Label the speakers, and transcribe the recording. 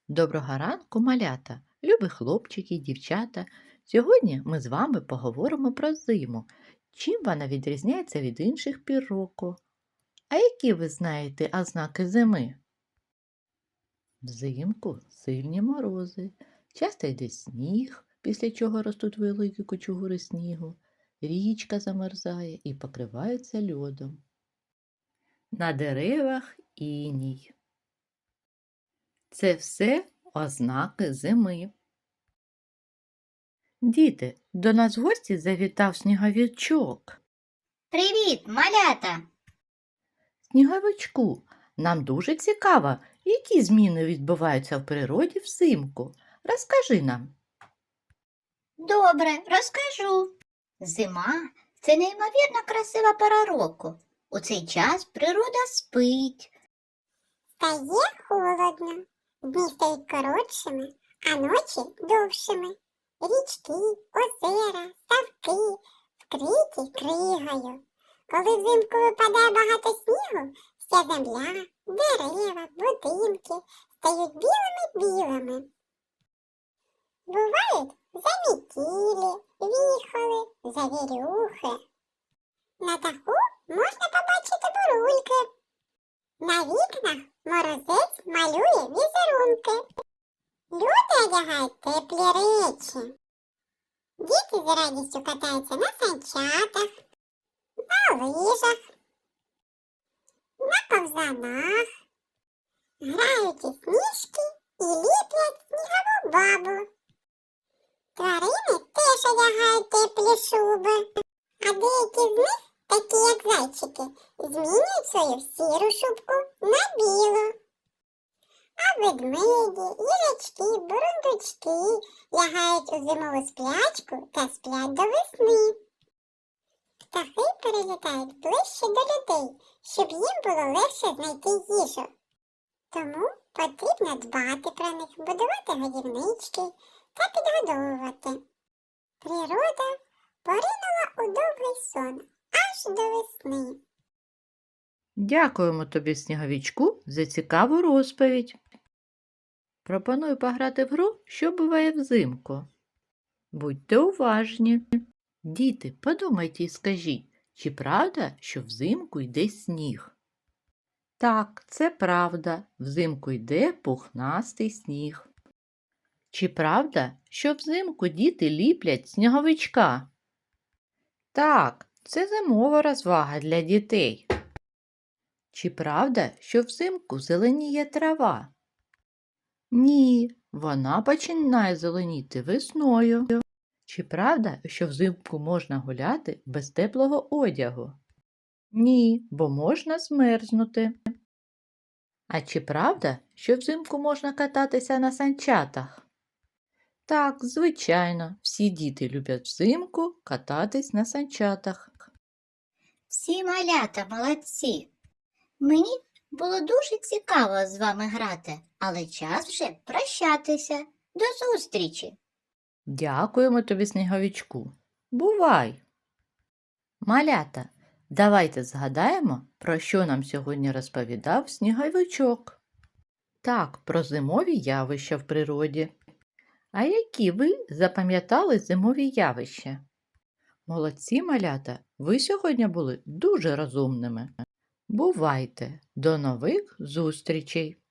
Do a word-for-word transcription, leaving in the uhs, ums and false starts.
Speaker 1: Доброго ранку, малята, любі хлопчики і дівчата. Сьогодні ми з вами поговоримо про зиму. Чим вона відрізняється від інших пір року? А які ви знаєте ознаки зими? Взимку сильні морози, часто йде сніг, після чого ростуть великі кучугури снігу, річка замерзає і покривається льодом. На деревах іній. Це все ознаки зими. Діти, до нас в гості завітав сніговичок.
Speaker 2: Привіт, малята!
Speaker 1: Сніговичку, нам дуже цікаво, які зміни відбуваються в природі взимку. Розкажи нам.
Speaker 2: Добре, розкажу. Зима – це неймовірно красива пора року. У цей час природа спить.
Speaker 3: Стає холодно, дні стають коротшими, а ночі довшими. Річки, озера, ставки вкриті кригою. Коли взимку випадає багато снігу, вся земля, дерева, будинки стають білими-білими. Бувають замітілі, віхоли, завірюхи. На даху можна побачити бурульки. На вікнах морозець малює візерунки. Люди одягають теплі речі. Діти з радістю катаються на санчатах, на лижах, на ковзанах, грають у сніжки і ліплять снігову бабу. Тварини теж одягають теплі шуби, а деякі з них, такі як зайчики, змінюють свою сіру шубку на білу. А ведмеді, їжачки, бурундучки лягають у зимову сплячку та сплять до весни. Птахи перелітають ближче до людей, щоб їм було легше знайти їжу. Тому потрібно дбати про них, будувати годівнички та підгодовувати. Природа поринула у довгий сон аж до весни.
Speaker 1: Дякуємо тобі, сніговичку, за цікаву розповідь. Пропоную пограти в гру, що буває взимку. Будьте уважні. Діти, подумайте і скажіть, чи правда, що взимку йде сніг? Так, це правда, взимку йде пухнастий сніг. Чи правда, що взимку діти ліплять сніговичка? Так, це зимова розвага для дітей. Чи правда, що взимку зеленіє трава? Ні, вона починає зеленіти весною. Чи правда, що взимку можна гуляти без теплого одягу? Ні, бо можна змерзнути. А чи правда, що взимку можна кататися на санчатах? Так, звичайно, всі діти люблять взимку кататись на санчатах.
Speaker 2: Всі малята молодці. Мені було дуже цікаво з вами грати, але час вже прощатися. До зустрічі!
Speaker 1: Дякуємо тобі, сніговичку. Бувай! Малята, давайте згадаємо, про що нам сьогодні розповідав сніговичок. Так, про зимові явища в природі. А які ви запам'ятали зимові явища? Молодці, малята, ви сьогодні були дуже розумними. Бувайте! До нових зустрічей!